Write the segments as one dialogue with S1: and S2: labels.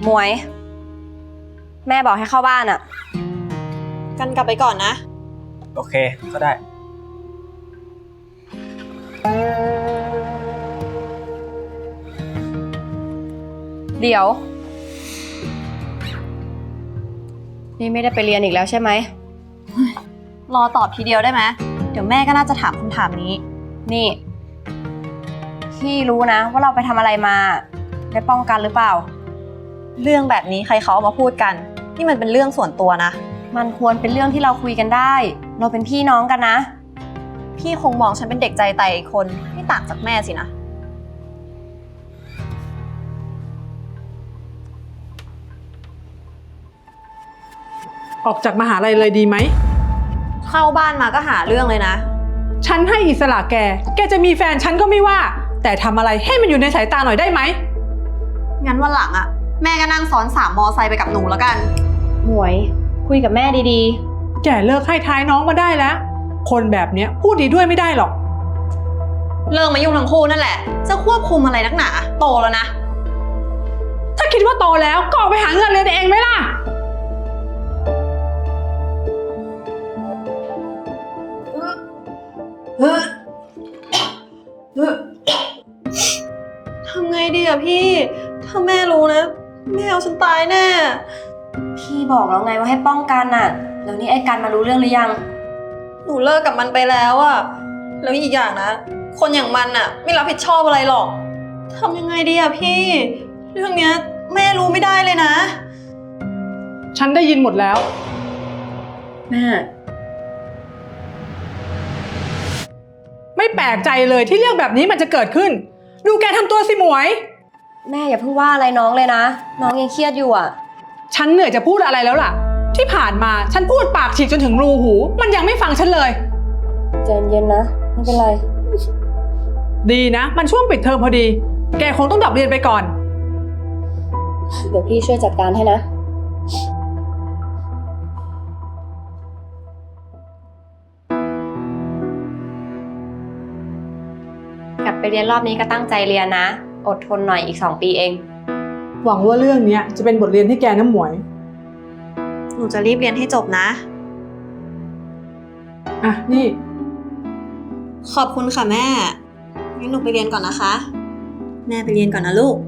S1: หมวย แม่บอกให้เข้าบ้านอะ
S2: กันกลับไปก่อนนะ
S3: โอเคก็ได้
S1: เดี๋ยว นี่ไม่ได้ไปเรียนอีกแล้วใช่ไหม
S2: รอตอบทีเดียวได้ไหมเดี๋ยวแม่ก็น่าจะถามคำถามนี้
S1: นี่ พี่รู้นะว่าเราไปทำอะไรมาได้ป้องกันหรือเปล่า
S2: เรื่องแบบนี้ใครเขาเอามาพูดกันนี่มันเป็นเรื่องส่วนตัวนะ
S1: มันควรเป็นเรื่องที่เราคุยกันได้ เราเป็นพี่น้องกันนะ
S2: พี่คงมองฉันเป็นเด็กใจไตอีกคนไม่ต่างจากแม่สินะ
S4: ออกจากมหาลัยเลยดีไหม
S2: เข้าบ้านมาก็หาเรื่องเลยนะ
S4: ฉันให้อิสระแกจะมีแฟนฉันก็ไม่ว่าแต่ทำอะไรให้มันอยู่ในสายตาหน่อยได้ไหม
S2: งั้นวันหลังอะแม่ก็นั่งซ้อน3 มอไซค์ไปกับหนูแล้วกัน
S1: หมวย คุยกับแม่ดี
S4: แกเลิกให้ท้ายน้องมาได้แล้วคนแบบเนี้ยพูดดีด้วยไม่ได้หรอก
S2: เลิกมายุ่งทั้งคู่นั่นแหละจะควบคุมอะไรนักหนาโตแล้วนะ
S4: ถ้าคิดว่าโตแล้วก็ออกไปหาเงินเรียนเองไหมล่ะ
S2: ทำไงดีอะพี่ถ้าแม่รู้นะแม่เอาฉันตายแน่
S1: ๆ พี่บอกแล้วไงว่าให้ป้องกันน่ะ แล้วนี่ไอ้กันมารู้เรื่องหรือยัง
S2: หนูเลิกกับมันไปแล้วอะแล้วอีกอย่างนะคนอย่างมันอะไม่รับผิดชอบอะไรหรอกทำยังไงดีอะพี่เรื่องเนี้ยแม่รู้ไม่ได้เลยนะ
S4: ฉันได้ยินหมดแล้ว
S1: แม่
S4: ไม่แปลกใจเลยที่เรื่องแบบนี้มันจะเกิดขึ้นดูแกทำตัวสิหมวย
S1: แม่อย่าเพิ่งว่าอะไรน้องเลยนะ น้องยังเครียดอยู่อ่ะ
S4: ฉันเหนื่อยจะพูดอะไรแล้วล่ะที่ผ่านมาฉันพูดปากฉีกจนถึงรูหูมันยังไม่ฟังฉันเลย
S1: ใจเย็นนะไม่เป็นไร
S4: ดีนะมันช่วงปิดเทอมพอดีแกคงต้องดรอปเรียนไปก่อน
S1: เดี๋ยวพี่ช่วยจัดการให้นะกลับไปเรียนรอบนี้ก็ตั้งใจเรียนนะอดทนหน่อยอีก2 ปีเอง
S4: หวังว่าเรื่องนี้จะเป็นบทเรียนให้แกนะหมวย
S2: หนูจะรีบเรียนให้จบนะ
S4: อ่ะนี่
S2: ขอบคุณค่ะแม่งั้นหนูไปเรียนก่อนนะคะแม่ไปเรียนก่อนนะลูก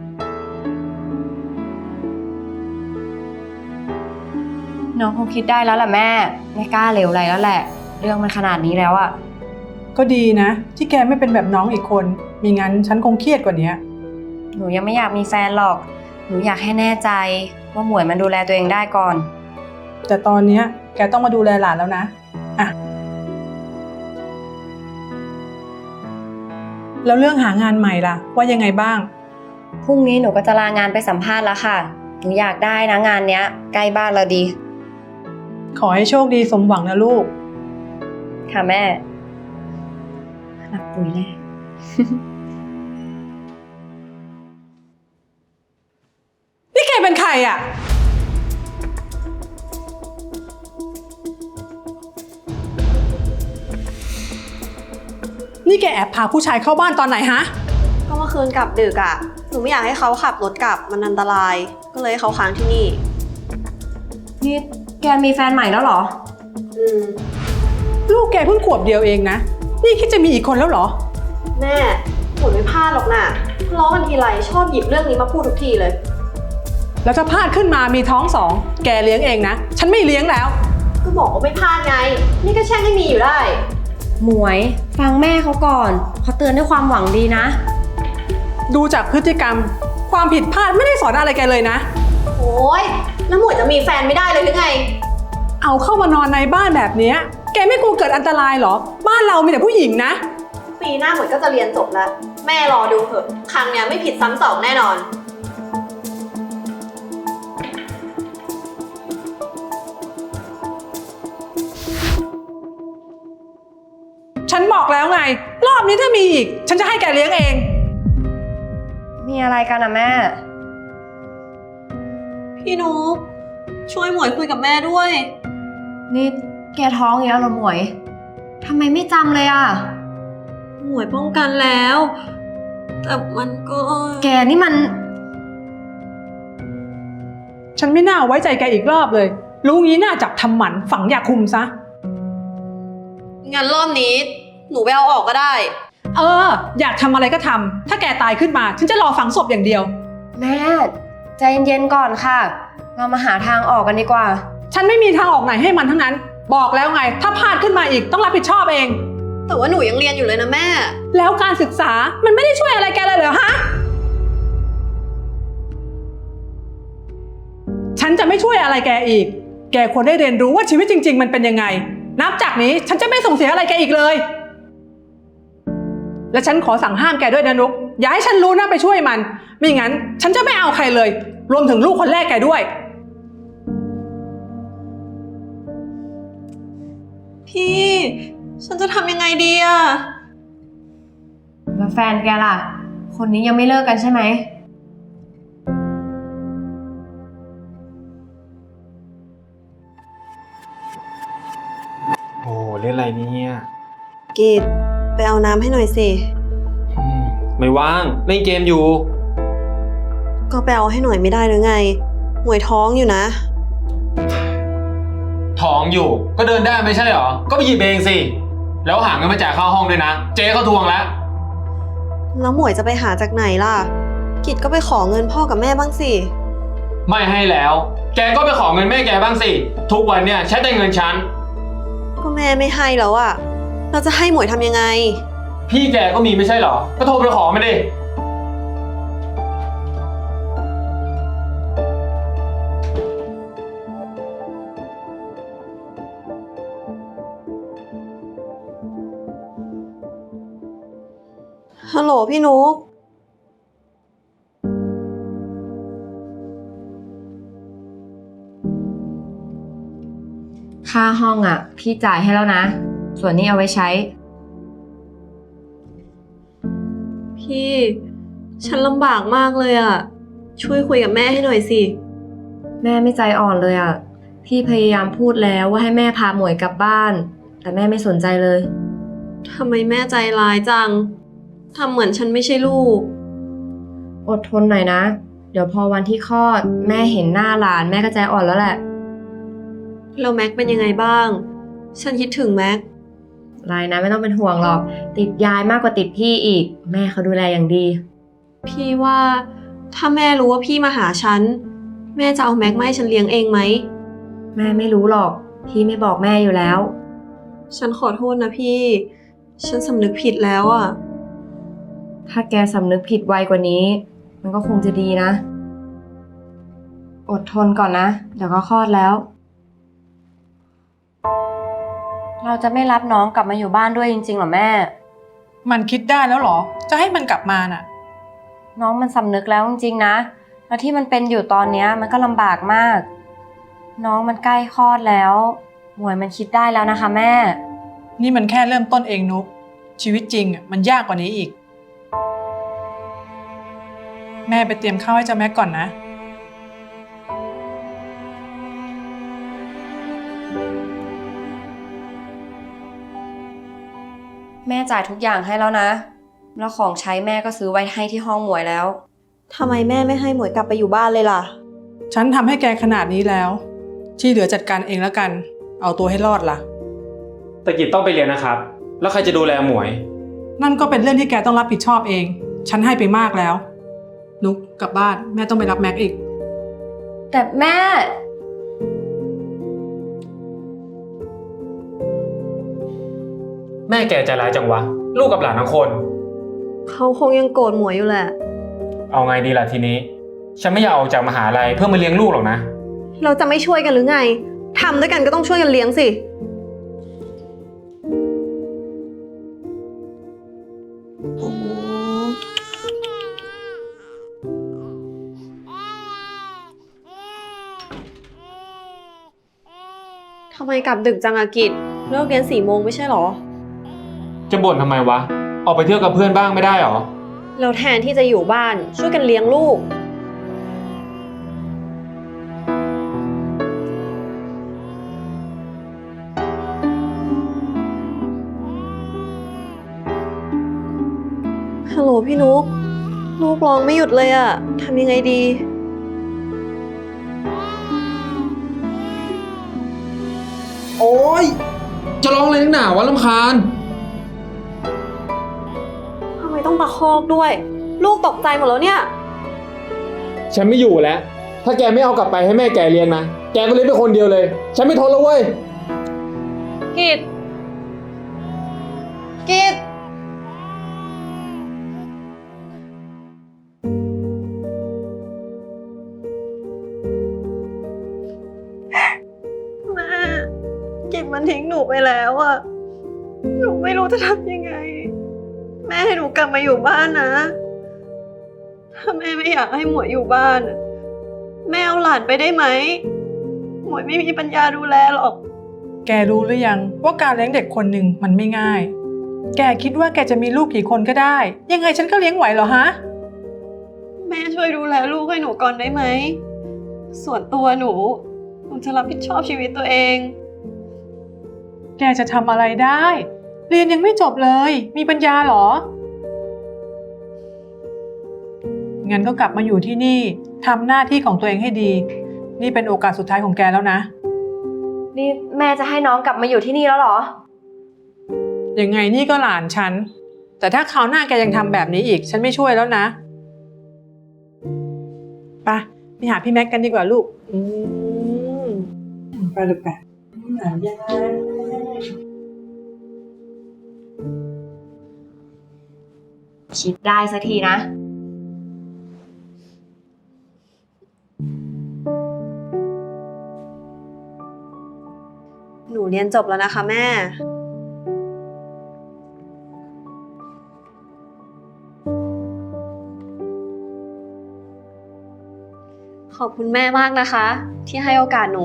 S1: น้องคงคิดได้แล้วแหละแม่ไม่กล้าเหลวไหลแล้วแหละเรื่องมันขนาดนี้แล้วอะ
S4: ก็ดีนะที่แกไม่เป็นแบบน้องอีกคนมิงั้นฉันคงเครียดกว่านี้
S1: หนูยังไม่อยากมีแฟนหรอกหนูอยากให้แน่ใจว่าหมวยมันดูแลตัวเองได้ก่อน
S4: แต่ตอนนี้แกต้องมาดูแลหลานแล้วนะอ่ะแล้วเรื่องหางานใหม่ล่ะว่ายังไงบ้าง
S1: พรุ่งนี้หนูก็จะลางานไปสัมภาษณ์แล้วค่ะหนูอยากได้นะงานเนี้ยใกล้บ้านเราดี
S4: ขอให้โชคดีสมหวังนะลูก
S1: ค่ะแม่รักปุ๋ยแน่
S4: นี่แกเป็นใครอ่ะนี่แกแอบพาผู้ชายเข้าบ้านตอนไหนฮะ
S2: ก็เมื่อคืนกลับดึกอะหนูไม่อยากให้เขาขับรถกลับมันอันตรายก็เลยให้เขาค้างที่นี่
S1: นี่แกมีแฟนใหม่แล้วเหรอ
S4: ลูกแกเพิ่งขวบเดียวเองนะนี่คิดจะมีอีกคนแล้วเหรอ
S2: แม่หนูไม่พลาดหรอกนะทะเลาะกันทีไรชอบหยิบเรื่องนี้มาพูดทุกทีเลย
S4: แล้วถ้าพลาดขึ้นมามีท้อง2แกเลี้ยงเองนะฉันไม่เลี้ยงแล้ว
S2: ก็บอกว่าไม่พลาดไงนี่ก็แช่งให้มีอยู่ได้
S1: หมวยฟังแม่เขาก่อนเขาเตือนด้วยความหวังดีนะ
S4: ดูจากพฤติกรรมความผิดพลาดไม่ได้สอนอะไรแกเลยนะ
S2: โอ๊ยแล้วหมวยจะมีแฟนไม่ได้เลยหรือไง
S4: เอาเข้ามานอนในบ้านแบบนี้แกไม่กลัวเกิดอันตรายเหรอบ้านเรามีแต่ผู้หญิงนะ
S2: ปีหน้าหมวยก็จะเรียนจบแล้วแม่รอดูเถอะครั้งเนี้ยไม่ผิดซ้ำสองแน่นอน
S4: ฉันบอกแล้วไงรอบนี้ถ้ามีอีกฉันจะให้แกเลี้ยงเอง
S1: มีอะไรกันอะแม่
S2: พี่นุ๊กช่วยหมวยคุยกับแม่ด้วย
S1: นี่แกท้องอีกแล้วเหรอหมวยทำไมไม่จำเลยอะ
S2: หมวยป้องกันแล้วแต่มันก็
S1: แกนี่มัน
S4: ฉันไม่น่าไว้ใจแกอีกรอบเลย รู้งี้น่าจับทำหมันฝังยาคุมซะ
S2: งั้นรอบนี้ หนูไปเอาออกก็ได้
S4: อยากทำอะไรก็ทำถ้าแกตายขึ้นมาฉันจะรอฝังศพอย่างเดียว
S1: แม่ใจเย็นๆก่อนค่ะ เรามาหาทางออกกันดีกว่า
S4: ฉันไม่มีทางออกไหนให้มันทั้งนั้น บอกแล้วไงถ้าพลาดขึ้นมาอีกต้องรับผิดชอบเอง
S2: แต่ว่าหนูยังเรียนอยู่เลยนะแม่
S4: แล้วการศึกษามันไม่ได้ช่วยอะไรแกเลยเหรอฮะ ฉันจะไม่ช่วยอะไรแกอีก แกควรได้เรียนรู้ว่าชีวิตจริงๆมันเป็นยังไง นับจากนี้ฉันจะไม่ส่งเสียอะไรแกอีกเลย และฉันขอสั่งห้ามแกด้วยนะนุกอย่าให้ฉันรู้นะไปช่วยมันไม่งั้นฉันจะไม่เอาใครเลย รวมถึงลูกคนแรกแกด้วย
S2: พี่ ฉันจะทำยังไงดีอะ
S1: แล้วแฟนแกล่ะ คนนี้ยังไม่เลิกกันใช่ไหม
S3: โอ้เล่นอะไรเนี่ย
S2: กีดไปเอาน้ำให้หน่อยสิ
S3: ไม่ว่างเล่นเกมอยู่
S2: ก็ไปเอาให้หน่อยไม่ได้หรือไง หมวยท้องอยู่นะ
S3: ท้องอยู่ก็เดินได้ไม่ใช่เหรอ ก็ไปหยิบเองสิ แล้วหาเงินมาจ่ายค่าห้องด้วยนะ เจ๊เขาทวงแล้ว
S2: แล้วหมวยจะไปหาจากไหนล่ะ กิดก็ไปขอเงินพ่อกับแม่บ้างสิ
S3: ไม่ให้แล้ว แกก็ไปขอเงินแม่แกบ้างสิ ทุกวันเนี่ยใช้แต่เงินฉัน
S2: ก็แม่ไม่ให้แล้วอะเราจะให้หมวยทำยังไง
S3: พี่แกก็มีไม่ใช่เหรอ ก็โทรไปขอมาดิ
S2: ฮัลโหลพี่นุ๊ก
S1: ค่าห้องอ่ะ พี่จ่ายให้แล้วนะ ส่วนนี้เอาไว้ใช้
S2: พี่ ฉันลำบากมากเลยอะช่วยคุยกับแม่ให้หน่อยสิ
S1: แม่ไม่ใจอ่อนเลยอ่ะ พี่พยายามพูดแล้วว่าให้แม่พาหมวยกลับบ้าน แต่แม่ไม่สนใจเลย
S2: ทำไมแม่ใจร้ายจัง ทำเหมือนฉันไม่ใช่ลูก
S1: อดทนหน่อยนะ เดี๋ยวพอวันที่คลอด แม่เห็นหน้าหลานแม่ก็ใจอ่อนแล้วแหละ
S2: แล้วแม็กเป็นยังไงบ้าง ฉันคิดถึงแม็ก
S1: รายนะไม่ต้องเป็นห่วงหรอก ติดยายมากกว่าติดพี่อีก แม่เขาดูแลอย่างดี
S2: พี่ว่าถ้าแม่รู้ว่าพี่มาหาฉัน แม่จะเอาแม็กมาให้ฉันเลี้ยงเองไหม
S1: แม่ไม่รู้หรอก พี่ไม่บอกแม่อยู่แล้ว
S2: ฉันขอโทษนะพี่ ฉันสำนึกผิดแล้วอะ
S1: ถ้าแกสำนึกผิดไวกว่านี้ มันก็คงจะดีนะ อดทนก่อนนะ เดี๋ยวก็คลอดแล้ว เราจะไม่รับน้องกลับมาอยู่บ้านด้วยจริงๆหรอแม่
S4: มันคิดได้แล้วเหรอ จะให้มันกลับมาน่ะ
S1: น้องมันสำนึกแล้วจริงๆนะ แล้วที่มันเป็นอยู่ตอนเนี้ยมันก็ลำบากมาก น้องมันใกล้คลอดแล้ว หมวยมันคิดได้แล้วนะคะแม่
S4: นี่มันแค่เริ่มต้นเองนุกชีวิตจริงมันยากกว่านี้อีก แม่ไปเตรียมข้าวให้เจ้าแม็กก่อนนะ
S1: แม่จ่ายทุกอย่างให้แล้วนะ แล้วของใช้แม่ก็ซื้อไว้ให้ที่ห้องหมวยแล้ว
S2: ทำไมแม่ไม่ให้หมวยกลับไปอยู่บ้านเลยล่ะ
S4: ฉันทำให้แกขนาดนี้แล้ว ที่เหลือจัดการเองแล้วกัน เอาตัวให้รอดล่ะ
S3: แต่กิจต้องไปเรียนนะครับ แล้วใครจะดูแลหมวย
S4: นั่นก็เป็นเรื่องที่แกต้องรับผิดชอบเอง ฉันให้ไปมากแล้ว นุกกลับบ้านแม่ต้องไปรับแม็กอีก
S1: แต่แม่
S3: แม่แกใจร้ายจังวะ ลูกกับหลานทั้งคน
S2: เขาคงยังโกรธหมวยอยู่แหละ
S3: เอาไงดีล่ะทีนี้ ฉันไม่อยากออกจากมหาลัยเพื่อมาเลี้ยงลูกหรอกนะ
S2: เราจะไม่ช่วยกันหรือไง ทำด้วยกันก็ต้องช่วยกันเลี้ยงสิโอ้โหทำไมกลับดึกจังอะกิจเลิกเรียน4 โมงไม่ใช่หรอ
S3: จะบ่นทำไมวะ ออกไปเที่ยวกับเพื่อนบ้างไม่ได้หรอ
S2: เราแทนที่จะอยู่บ้านช่วยกันเลี้ยงลูก ฮัลโหลพี่นุ๊กลูกร้องไม่หยุดเลยอะทำยังไงดี
S3: โอ๊ย จะร้องอะไรนักหนาวะรำคาญ
S2: ทำไมต้องตะคอกด้วย ลูกตกใจหมดแล้วเนี่ย
S3: ฉันไม่อยู่แล้ว ถ้าแกไม่เอากลับไปให้แม่แกเลี้ยงนะ แกก็เลี้ยงไปคนเดียวเลย ฉันไม่ทนแล้วเว้ย
S2: กิดกิดแม่กิดมันทิ้งหนูไปแล้วอะหนูไม่รู้จะทำยังไง แม่ให้หนูกลับมาอยู่บ้านนะ ถ้าแม่ไม่อยากให้หมวยอยู่บ้านอะแม่เอาหลานไปได้ไหม หมวยไม่มีปัญญาดูแลหรอก
S4: แกรู้หรือยังว่าการเลี้ยงเด็กคนหนึ่งมันไม่ง่าย แกคิดว่าแกจะมีลูกกี่คนก็ได้ ยังไงฉันก็เลี้ยงไหวเหรอฮะ
S2: แม่ช่วยดูแลลูกให้หนูก่อนได้ไหม ส่วนตัวหนูจะรับผิดชอบชีวิตตัวเอง
S4: แกจะทำอะไรได้ เรียนยังไม่จบเลย มีปัญญาเหรอ งั้นก็กลับมาอยู่ที่นี่ทำหน้าที่ของตัวเองให้ดี นี่เป็นโอกาสสุดท้ายของแกแล้วนะ
S1: นี่แม่จะให้น้องกลับมาอยู่ที่นี่แล้วเหรอ
S4: ยังไงนี่ก็หลานฉัน แต่ถ้าคราวหน้าแกยังทำแบบนี้อีก ฉันไม่ช่วยแล้วนะ ไปหาพี่แม็กกันดีกว่าลูกไปลูกไปหาย่า
S1: คิดได้สักทีนะ
S2: หนูเรียนจบแล้วนะคะแม่ ขอบคุณแม่มากนะคะ ที่ให้โอกาสหนู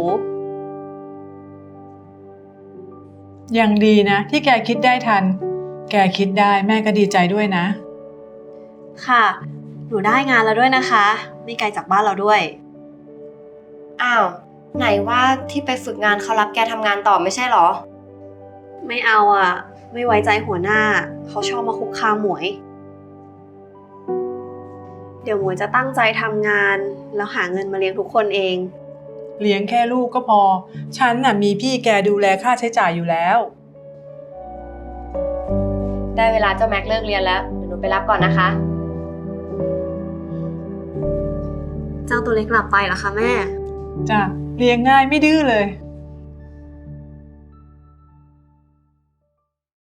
S4: ยังดีนะ ที่แกคิดได้ทัน แกคิดได้แม่ก็ดีใจด้วยนะ
S2: ค่ะ หนูได้งานแล้วด้วยนะคะ ไม่ไกลจากบ้านเราด้วย
S1: อ้าว ไหนว่าที่ไปฝึกงานเขารับแกทำงานต่อไม่ใช่เหรอ
S2: ไม่เอาอ่ะ ไม่ไว้ใจหัวหน้า เขาชอบมาคุกคามหมวย เดี๋ยวหมวยจะตั้งใจทำงาน แล้วหาเงินมาเลี้ยงทุกคนเอง
S4: เลี้ยงแค่ลูกก็พอ ฉันน่ะมีพี่แกดูแลค่าใช้จ่ายอยู่แล้ว
S1: ได้เวลาเจ้าแม็กเลิกเรียนแล้ว เดี๋ยวหนูไปรับก่อนนะคะ
S2: เจ้าตัวเล็กหลับไปเหรอคะแม่
S4: จ้ะเลี้ยงง่ายไม่ดื้อเลย